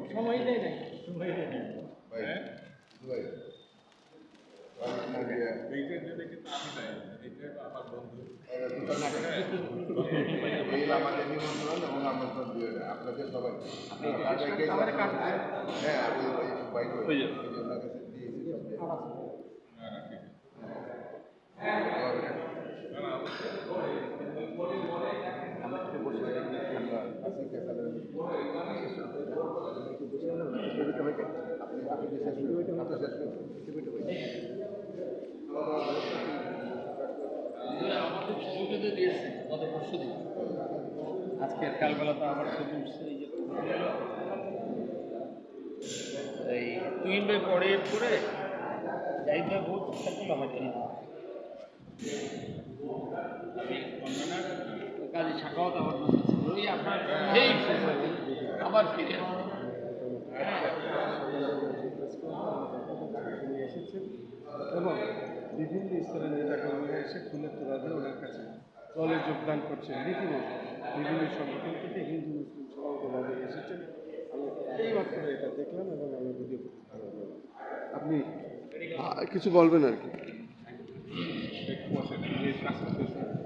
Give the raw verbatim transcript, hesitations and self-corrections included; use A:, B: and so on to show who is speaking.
A: সময় দেয় নাই সময় দেয় নাই
B: হ্যাঁ ভাই এইটা যদি কিন্তু আমি নাই এইটা আমার বন্ধু এই আমাদের নিমন্ত্রণ এবং আমন্ত্রণ দিয়ে আপনাদের সবাই হ্যাঁ আমি ওই বাইক ওনার কাছে দিয়েছি
A: আমাদের ছবিটা দিয়েছে গত পরশু দিন আজকে কালবেলা তো আবার ছবি উঠছে এই তুই ভাই পরে করে যাইতে বহুত চেষ্টা করলাম আর কি কাজে শাখাওয়াত আমার ওই আপনার এই আবার ফিরে
C: এসেছেন এবং বিভিন্ন স্তরের নেতাকর্মীরা এসে ফুলের তোলা দিয়ে ওনার কাছে দলে যোগদান করছেন রীতিমতো বিভিন্ন সংগঠন থেকে হিন্দু মুসলিম সমাজভাবে এসেছেন আমি এইমাত্র এটা দেখলাম এবং আমি ভিডিও করতে ভালো লাগলো। আপনি কিছু বলবেন আর কি
B: বসে কাজ করতেছে